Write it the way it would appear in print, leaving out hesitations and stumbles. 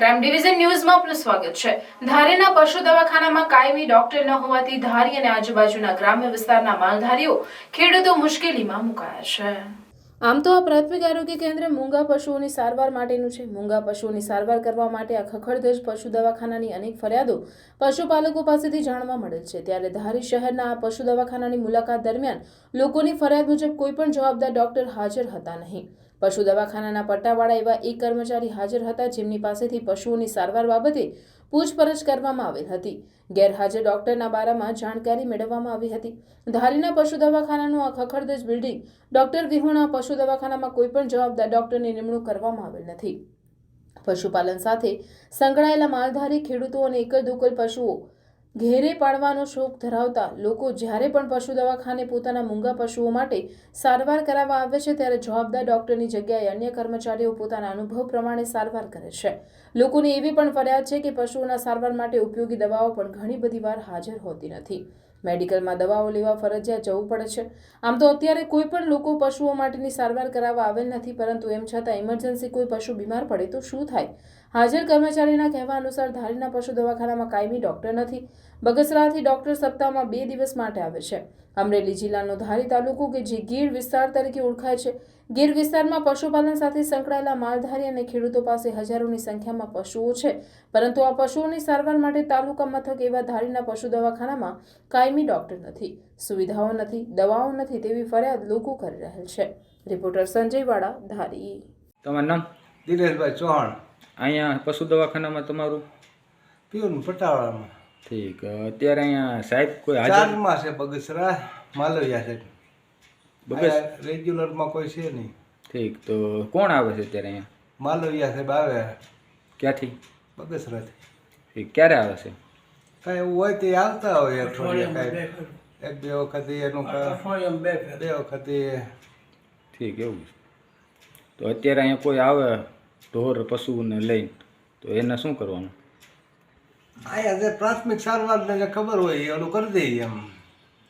Crime division ન્યૂઝમાં આપનું સ્વાગત છે। ધારીના પશુ દવાખાનામાં કાયમી ડોક્ટર ન હોવાથી ધારી અને આજુબાજુના ગ્રામ્ય વિસ્તારના માલધારીઓ ખેડૂતો મુશ્કેલીમાં મુકાયા છે। આમ તો આ પ્રાથમિક આરોગ્ય કેન્દ્ર મૂંગા પશુઓની સારવાર માટેનું છે। મૂંગા પશુઓની સારવાર કરવા માટે આ ખખડધજ પશુ દવાખાનાની અનેક ફરિયાદો પશુપાલકો પાસેથી જાણવા મળેલ છે। ત્યારે ધારી શહેરના આ પશુ દવાખાનાની મુલાકાત દરમિયાન લોકોની ફરિયાદ મુજબ કોઈ પણ જવાબદાર ડોક્ટર હાજર હતા નહીં। પશુ દવાખાનાના પટ્ટાવાળા એવા એક કર્મચારી હાજર હતા જેમની પાસેથી પશુઓની સારવાર બાબતે પૂછપરછ કરવામાં આવેલ હતી। ગેરહાજર ડોક્ટરના બારામાં જાણકારી મેળવવામાં આવી હતી। ધારીના પશુ દવાખાનાનું આ ખખડધજ બિલ્ડિંગ ડોક્ટર વિહોણા પશુ દવાખાનામાં કોઈ પણ જવાબદાર ડોક્ટરની નિમણૂક કરવામાં આવેલ નથી। પશુપાલન સાથે સંકળાયેલા માલધારી ખેડૂતો અને એકલ દોકલ પશુઓ ઘેરે પાડવાનો શોખ ધરાવતા લોકો જ્યારે પણ પશુ દવાખાને પોતાના મૂંગા પશુઓ માટે સારવાર કરાવવા આવે છે ત્યારે જવાબદાર ડોક્ટરની જગ્યાએ અન્ય કર્મચારીઓ પોતાના અનુભવ પ્રમાણે સારવાર કરે છે। લોકોની એવી પણ ફરિયાદ છે કે પશુઓના સારવાર માટે ઉપયોગી દવાઓ પણ ઘણી બધી વાર હાજર હોતી નથી। મેડિકલમાં દવાઓ લેવા ફરજિયાત જવું પડે છે। આમ તો અત્યારે કોઈ પણ લોકો પશુઓ માટેની સારવાર કરાવવા આવેલ નથી, પરંતુ એમ છતાં ઇમરજન્સી કોઈ પશુ બીમાર પડે તો શું થાય? હાજર કર્મચારીના કહેવા અનુસાર ધારીના પશુ દવાખાનામાં કાયમી ડોક્ટર નથી। બગસરાથી ડોક્ટર સપ્તાહમાં 2 દિવસ માટે આવે છે। અમરેલી જિલ્લાનો ધારી તાલુકો કે જે ગીર વિસ્તાર તરીકે ઓળખાય છે। ગીર વિસ્તારમાં પશુપાલન સાથે સંકળાયેલા માલધારી અને ખેડૂતો પાસે હજારોની સંખ્યામાં પશુઓ છે, પરંતુ આ પશુઓની સારવાર માટે તાલુકા મથક એવા ધારીના પશુ દવાખાનામાં કાયમી ડોક્ટર નથી, સુવિધાઓ નથી, દવાઓ નથી તેવી ફરિયાદ લોકો કરી રહેલ છે। રિપોર્ટર સંજય વાડા, ધારી। તમારું નામ? દિનેશભાઈ ચૌહાણ, અહીંયા પશુ દવાખાનામાં તમારું? પીઓનું પટાવાળામાં। ઠીક, અત્યારે અહીંયા સાહેબ કોઈ હાજર? ચાર્જમાં છે બગસરા, માલવિયા છે। બગસ રેગ્યુલરમાં કોઈ છે નહીં। ઠીક, તો કોણ આવે છે અત્યારે અહીંયા? માલવિયા સાહેબ આવે ક્યાંથી? બગસરાથી। ઠીક, ક્યારે આવે છે? કાંઈ એવું હોય તે આવતા હોય અઠવાડિયે, કાંઈ 1-2 વખત એનું 2 વખત એ। ઠીક, એવું છે। તો અત્યારે અહીંયા કોઈ આવે ઢોર પશુને લઈને તો એને શું કરવાનું? અહીંયા જે પ્રાથમિક સારવારને જે ખબર હોય એ ઓલું કરી દઈએ એમ।